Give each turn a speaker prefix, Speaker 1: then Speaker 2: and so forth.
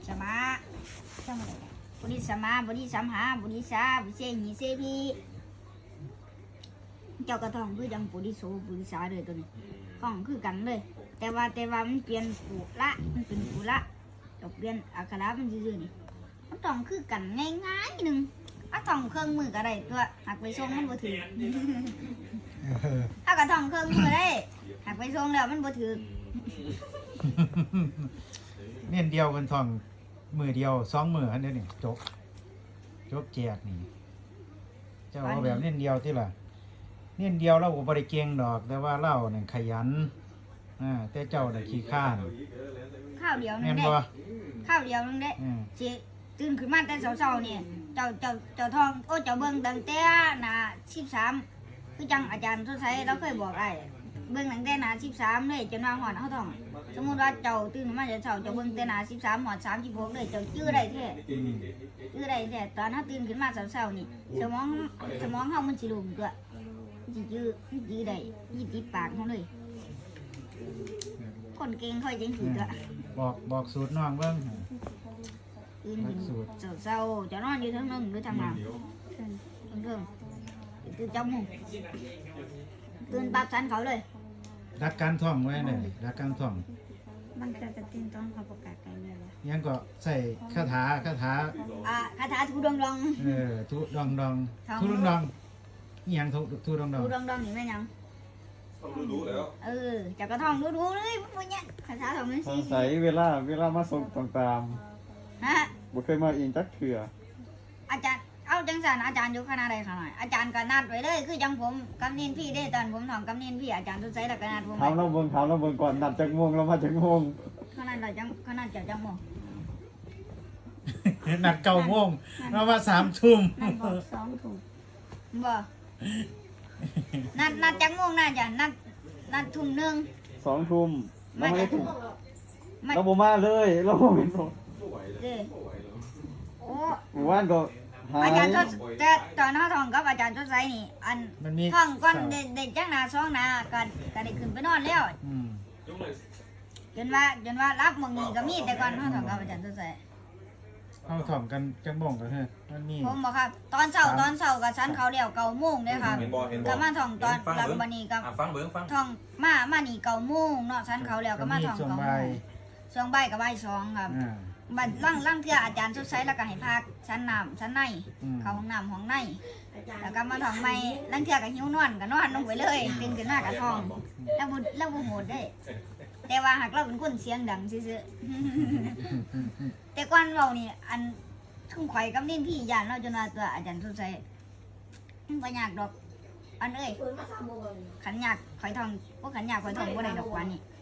Speaker 1: สมาจำอะไรบุริสมาบุริสัมหาบุริสาบุเชหิเสพีเจ้ากระทองคือจังบุริโสบุริสาเลยตัวนี้ข้องคือกันเลยแต่ว่ามันเปลี่ยนปุระมันเป็นปุระจะเปลี่ยนอักขระมันซื่อๆนี่มันต้องคือกันง่ายๆหนึ่งถ้าท่องเครื่องมือก็ได้ตัวหักไปส่งมันบ่ถือถ้ากระท่องเครื่องมือได้หักไปส่งแล้วมันบ่ถือ
Speaker 2: เน้นเดียวกันท่องมือเดียว2 มืออันนี้นี่จบแจกนี่เจ้าเอาแบบเน้นเดียวที่ล่ะเน้นเดียวเราก็บ่ได้เก่งดอกแต่ว่าเราเนี่ยขยันแต่เจ้าน่ะขี้ข้าน
Speaker 1: ข้าวเดียวนึงได้ข้าวเดียวนึงได้สิตื่นขึ้นมาแต่เช้าๆนี่เจ้าทองโอ้เจ้าเบิ่งตั้งแต่หน้า13คือจังอาจารย์ทศไสเราเคยบอกไอ้เบิ่งตั้งแต่หน้า13เลยจนว่าฮอดเฮาท้องสมมุติว่าเจ้าตื่นมาแต่เช้าเจ้าเบิ่งแต่หน้า13ฮอด36เลยเจ้าจื้อได้แท้ตอนเฮาตื่นขึ้นมาเช้าๆนี่สมองเฮามันสิลุ่มตัวสิจื้อได้ยี่ติดปากเฮาเลยคนเก่งค่อยจังสิตัว
Speaker 2: บอกสูตรน้องเบิ่ง
Speaker 1: ตื่นเช้าจะนอนอยู่ทั้งนึงหรือทำงานเรื่องตื่นจังมุงตื่นปั๊บฉันเขาเลย
Speaker 2: รักการท่องไว้เลยรักการท่อง
Speaker 1: มันจะตื่นตอนเขาประกาศกันเลย
Speaker 2: ยังก็ใส่คาถา
Speaker 1: คาถาทูดอง
Speaker 2: ทูดองนี่ยังทูดอง
Speaker 1: นี่แม่ยัง
Speaker 3: รู้แล้ว
Speaker 1: จะกระท่องรู้เลยพวกเนี้ยคาถาของมัน
Speaker 4: สิใส่เวลามาส่งต่างๆบ่เคยมาเองจักเถื่อ
Speaker 1: อาจารย์เอาจังสันอาจารย์อยู่คณะใดขนาดอาจารย์ก็นัดไว้เลยคือจังผมกำเนินพี่ได้ตอนผมท่องกำเนินพี่อาจารย์ทุกไซด์แล้วก็นัดผม
Speaker 4: ถามเราเบิ่งก่อนนัดจักโมงเรามาจักโมง
Speaker 1: ขนาดเราจังโมง
Speaker 2: นัด9 โมงเรามา3 ทุ่ม
Speaker 1: นัดบอก2 ทุ่มบ่นัดจังโมงน่าจะนัดทุ่มนึง
Speaker 4: 2 ทุ่มเราไม่ได้ทุ่มเราบ่มาเลยเราบ่เป็นโอ้หมู่บ้านก็
Speaker 1: อาจารย์ทศแต่ตอนท่องกับอาจารย์ทศไสนี่อันท่องก่อนเด็กจังหน้า2 หน้าก็ได้ขึ้นไปนอนแล้วจนว่ารับมึงนี่ก็มีแต่ก่อนท่องกับอาจารย์ทศไส
Speaker 2: เอาท่องกันจังบ่งก็คือมันมี
Speaker 1: ผมบอกครับตอนเช้ากับชั้นเขาเดียว9 โมงเด้อครับก็มาท่องตอนหลังบัดนี้ก็ท่องมานี่9 โมงเนาะชั้นเขาแล้วก็มาท่อง9 โมงช่วงบ่ายก็บ่าย2ครับบัดล่างเทื่ออาจารย์ทศไสแล้วก็ให้พักชั้นในเข้าห้องน้ำห้องในแล้วก็มาท่องใหม่ล่างเทื่อก็หิวนอนก็นอนลงไปเลยตื่นขึ้นมาก็ท่องแล้วบ่โหดได้แต่ว่าหากเราเป็นคนเสียงดังซื่อๆแต่ก่อนเรานี่อันทุ่งข่อยกับนิ่นพี่ย่านเราจนว่าตัวอาจารย์ทศไสบ่ยากดอกอันขันยากข่อยท่องบ่ขันยากข่อยท่องบ่ได้ดอกว่านี่